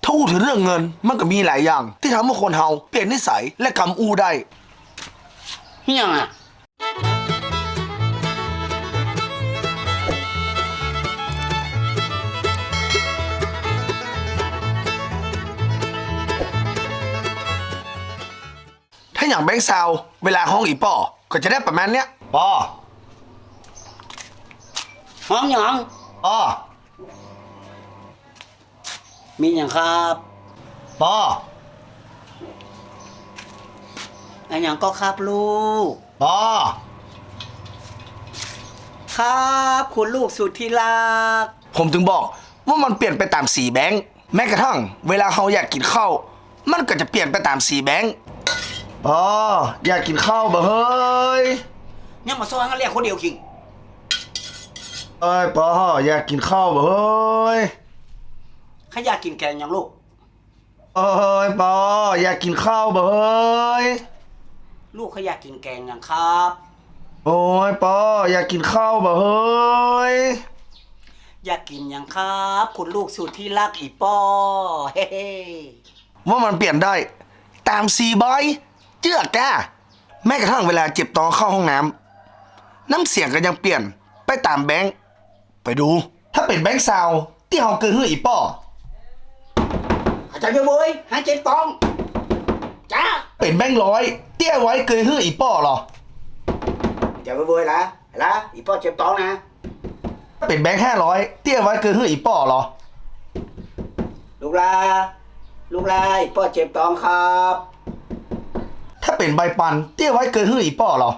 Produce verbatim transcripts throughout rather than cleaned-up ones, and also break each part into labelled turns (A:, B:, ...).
A: ถ้าอู้ถึงเรื่องเงินมันก็มีหลายอย่างที่ทำให้คนเฮาเปลี่ยนนิสัยและกำอู้ได้
B: เฮียงอ่ะ
A: ถ้าอย่างแบงค์ซาวเวลาห้องอีป่อก็จะได้ประมาณเนี้ยปอ
B: ห้องหยัง
A: ปอ
B: มีอย่างครับ
A: ปอ
B: อันอย่างก็ครับลูก
A: ปอ
B: ครับคุณลูกสุดที่รัก
A: ผมถึงบอกว่ามันเปลี่ยนไปตามสีแบงค์แม้กระทั่งเวลาเราอยากกินข้าวมันก็จะเปลี่ยนไปตามสีแบงค์ปออยากกินข้าวบ่เฮ้ย
B: เนี่ยมาซ้อนกันเรียกคนเดียวคิง
A: เอ้ยปออยากกินข้าวบ่เฮ้ย
B: ข้าอยากกินแกงอย่างลูก
A: เอ้ยปออยากกินข้าวบ่เฮ้ย
B: ลูกเขาอยากกินแกงอย่างครับ
A: โอ้ยปออยากกินข้าวบ่เฮ้ย
B: อยากกินอย่างครับคุณลูกสุดที่รักอีป้อเฮ้
A: ว่ามันเปลี่ยนได้ตามสีใบเจือกแกแม้กระทั่งเวลาเจ็บตอนเข้าห้องน้ำน้ำเสียงก็ยังเปลี่ยนไปตามแบงค์ไปดูถ้าเป็นแบงค์ซาวที่เฮาเกินหื้ออีป้อ
B: อาจารย์เว้ยหายใจตองจ้า
A: เป็นแบงค์ร้อยเตี้ยไว้เกยหื้ออีป้อหรอ
B: อาจารย์เว้ยละละอีป้อเจ็บตองนะ
A: เป็นแบงค์ห้าร้อยเตี้ยไว้เกยหื้ออีป้อหรอ
B: ลูกลาลูกลาอีป้อเจ็บตองครับ
A: ถ้าเป็นใบปันเตี้ยไว้เกยหื้ออีป้อหรอ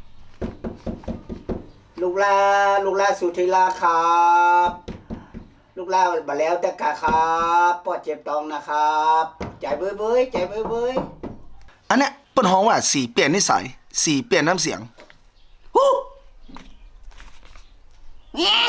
B: ลูกลาลูกลาสุธิลาครับลูกลาบาแล้วแต่กะครับป้อเจ็บตองนะครับใจเบ้ยเบ้ยใจเบ้ยเบ้ย
A: อันเนี้ยเป็นห้องว่าสีเปลี่ยนนิสัยสีเปลี่ยนน้ำเสียง
B: ฮู้เงี้ย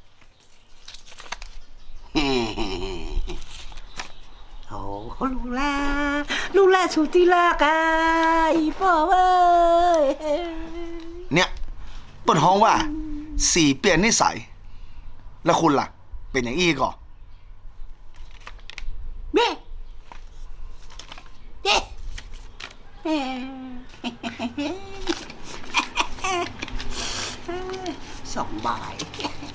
B: โอ้ลูกลาลูกลาสุธิลากาอีป้อเว้ย
A: เนี่ยเป็นห้องว่าสีเปลี่ยนนิสัยแล้วคุณล่ะเป็นอย่างอี้ก่อ
B: เบ้เบ้สองบาย